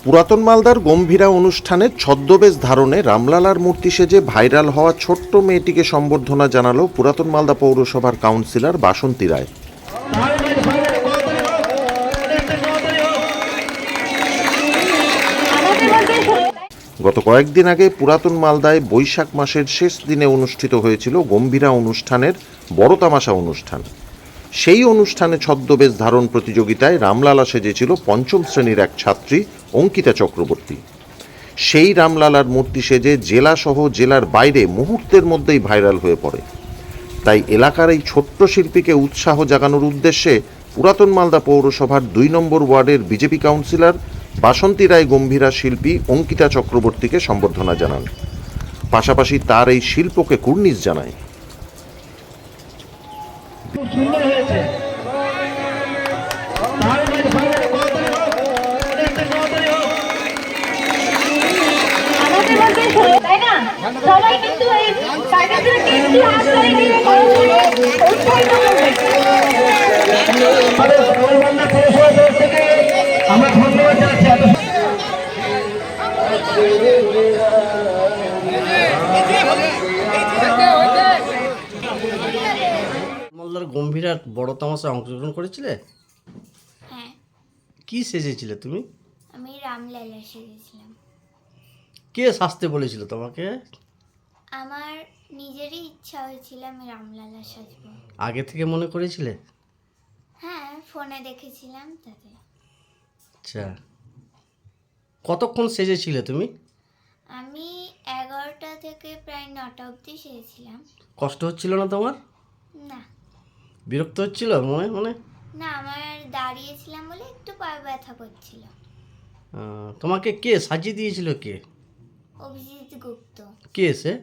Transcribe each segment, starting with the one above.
পুরাতন মালদার গম্ভীরা অনুষ্ঠানে ছদ্মবেশ ধারণে রামলালার মূর্তি সেজে ভাইরাল হওয়া ছোট্ট মেয়েটিকে সম্বর্ধনা জানালো পুরাতন মালদা পৌরসভার কাউন্সিলর বাসন্তী রায়। গত কয়েকদিন আগে পুরাতন মালদায় বৈশাখ মাসের শেষ দিনে অনুষ্ঠিত হয়েছিল গম্ভীরা অনুষ্ঠানের বড় তামাশা অনুষ্ঠান। সেই অনুষ্ঠানে ছদ্মবেশ ধারণ প্রতিযোগিতায় রামলালা সেজেছিল পঞ্চম শ্রেণীর এক ছাত্রী অঙ্কিতা চক্রবর্তী। সেই রামলালার মূর্তি সেজে জেলাসহ জেলার বাইরে মুহূর্তের মধ্যেই ভাইরাল হয়ে পড়ে। তাই এলাকার এই ছোট্ট শিল্পীকে উৎসাহ জাগানোর উদ্দেশ্যে পুরাতন মালদা পৌরসভার ২ নম্বর ওয়ার্ডের বিজেপি কাউন্সিলর বাসন্তী রায় গম্ভীরা শিল্পী অঙ্কিতা চক্রবর্তীকে সম্বর্ধনা জানান। পাশাপাশি তার এই শিল্পকে কুর্নিশ জানায়। সবাই কিন্তু এই টাইগারদেরকে একটু হাত ধরে দিয়ে উৎসাহিত করবে। আমরা ধন্যবাদ জানাচ্ছি। মালদার গম্ভীরার বড় তামাশায় অংশগ্রহণ করেছিলে? হ্যাঁ, কি সেজেছিলে তুমি? আমি রামলালা সেজেছিলাম। কে সাজতে বলেছিল তোমাকে? আমার নিজেরই ইচ্ছা হয়েছিল আমি রামলালা সাজবো। আগে থেকে মনে করেছিলে? হ্যাঁ, ফোনে দেখেছিলাম তাতে। আচ্ছা, কতক্ষণ সেজেছিলে তুমি? আমি 11টা থেকে প্রায় 9টা অবধি সেজেছিলাম। কষ্ট হচ্ছিল না তোমার? না বিরক্ত হচ্ছিল মনে? না, আমার দাঁড়িয়েছিলাম বলে একটু পায়ে ব্যথা করছিল। তোমাকে কে সাজিয়ে দিয়েছিল? কে? অভিজিৎ গুপ্ত। কে সে?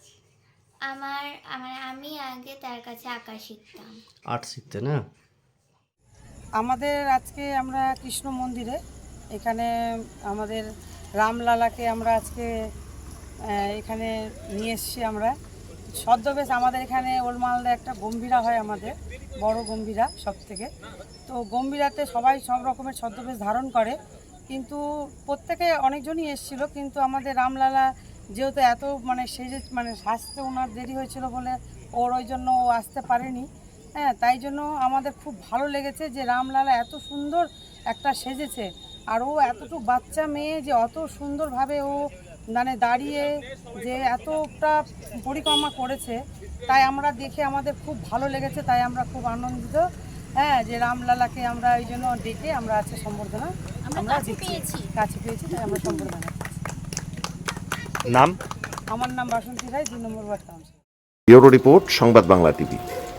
আমি আগে তার কাছে আঁকা শিখতাম। আর্ট শিখতে না? আমাদের আজকে আমরা কৃষ্ণ মন্দিরে এখানে আমাদের রামলালাকে আমরা আজকে এখানে নিয়ে এসেছি। আমরা ছদ্মবেশ আমাদের এখানে ওল্ড মালদা একটা গম্ভীরা হয়, আমাদের বড় গম্ভীরা সব থেকে। তো গম্ভীরাতে সবাই সব রকমের ছদ্মবেশ ধারণ করে, কিন্তু প্রত্যেকে অনেকজনই এসেছিলো, কিন্তু আমাদের রামলালা যেহেতু এত সাজতে ওনার দেরি হয়েছিল বলে ওই জন্য ও আসতে পারেনি। হ্যাঁ, তাই জন্য আমাদের খুব ভালো লেগেছে যে রামলালা এত সুন্দর একটা সেজেছে, আর ও এতটুকু বাচ্চা মেয়ে যে অত সুন্দরভাবে ও দাঁড়িয়ে যে এতটা পরিক্রমা করেছে, তাই আমরা দেখে আমাদের খুব ভালো লেগেছে। তাই আমরা খুব আনন্দিত, হ্যাঁ, যে রামলালাকে আমরা এই জন্য ডেকে আমরা আজকে সম্বর্ধনা আমরা কাছে পেয়েছি, তাই আমরা সম্বর্ধনা। নাম? আমার নাম Basanti Roy, ২ number ward councillor. Bureau report, Sangbad Bangla TV.